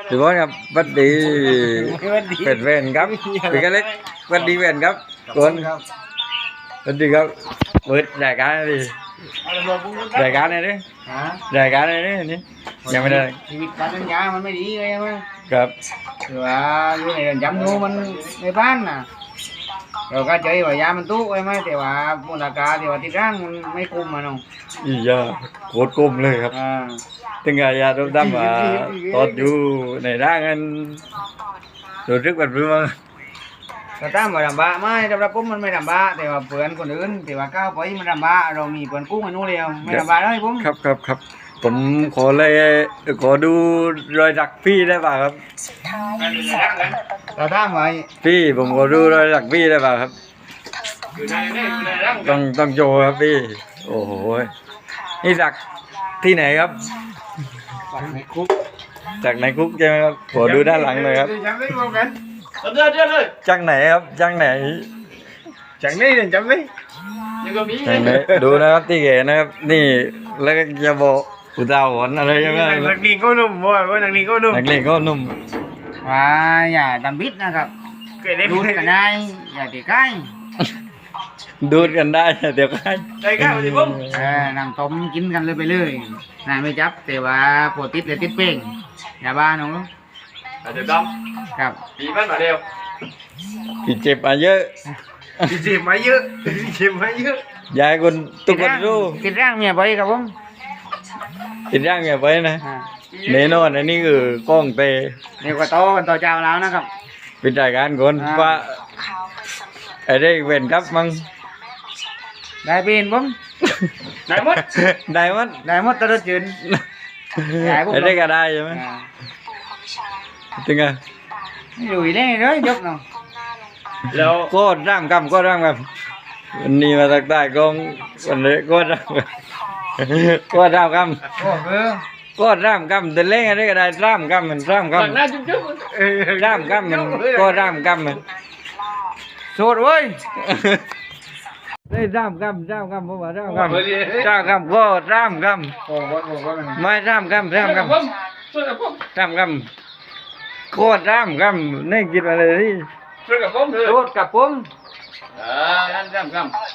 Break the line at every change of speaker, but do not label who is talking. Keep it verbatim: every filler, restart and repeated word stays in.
พี่บอสครับวัดดีเป็นเวนครับพี่ก็เล็กวัดดีเวนครับตัวนวัดดีครับเปิดรายการดิรายการไหนดิรายการไหนดินี่ยังไม่ได้
ชีวิตการทำงานมันไม่ดีเลยมั้ง
ครับ
คือว่าอยู่ในจำนูมันในบ้านน่ะเราก็เจอว่ายามันตู้ไว้ไหมแต่ว่ามูลค่าแต่ว่าที่ร่างมันไม่คุ้มมันน้อง
อียาโคตรกุ้มเลยครับถึงไงยาดมดำมาตอดอยู่ในร่างกันรู้สึกแบบนี้มั้ง
ก็ตามว่าดำบะไม่ดำรับปุ๊บมันไม่ดำบะแต่ว่าเพื่อนคนอื่นแต่ว่าก้าวไปมันดำบะเรามีเพื่อนกู้กันนู้นเดียวไม่ดำบะเลยปุ๊บ
ครับครับครับผมขอเลยขอดูรอยสักพี่ได้ป่ะครับ
เราตามไว้
พี่ผมขอดูรอยสักพี่ได้ป่ะครับต้องต้องโชว์ครับพี่โอ้โหนี่สักที่ไหนครับ
จากในคุก
จากในคุกใช่ไหมครับขอดูด้านหลังเลยครับ
เดือดเดือดเลย
จากไหนครับจากไหน
จากนี่จำไม่
จากไหนดูนะครับที่เก๋นะครับนี่แล้วก็จะบอกอุตาหอนอะไรใช่ไหม
นักเรียนก็นุ่มบ่อยว่านักเรียนก็นุ่ม
นักเรียนก็นุ่ม
ว่าอย่าดำบิดนะครับดูดกันได้อย่าตีใกล้
ดูดกันได้เดี๋ยวใกล้
ใกล้ใกล้มาสิผมเออนั่งต้มกินกันเลยไปเลยนายไม่จับแต่ว่าปวดติดเลยติดเป้งอย่าบ้าน้อง
เดี๋ยวด
ำครับ
ปีมันมาเร็ว
พี่เจ็บมาเยอะ
พี่เจ็บมาเยอะพี่เจ็บมาเยอะ
ยายคนตุกคนรู้
ติดร่างเมียไปครับผม
ติดร่างเมียไปนะเนนอนอันนี้คือกล้องเตะ
นี่ก็โตกันต่อเจ้าแล้วนะครับ
เป็นรายการคนว่าไอ้ได้เว้นครับมั้ง
ได้เป็นผมได้หมด
ได้หมด
ได้หมดตลอดจืน
ไอ้ได้ก็ได้ใช่ไหมถึงไง
อยู่ได้เลยยกเนาะ
แล้วก็ร่ำกำก็ร่ำกำวันนี้มาตักได้กองวันนี้ก็ร่ำก็ร่ำกำก็ร่ำกำแต่เล่นอะไรก็ได้ร่ำกำมันร่ำกำร่ำกำมันก็ร่ำกำมัน
สุดเว้ย
ได้ร่ำกำร่ำกำผมว่าร่ำกำร่ำกำก็ร่ำกำไม่ร่ำกำร่ำกำร่ำกำโคตรร่ำกำนี่กินอะไรที่
ช่วยกับผมเลย
โคตรกับผม
อ่าร่ำกำ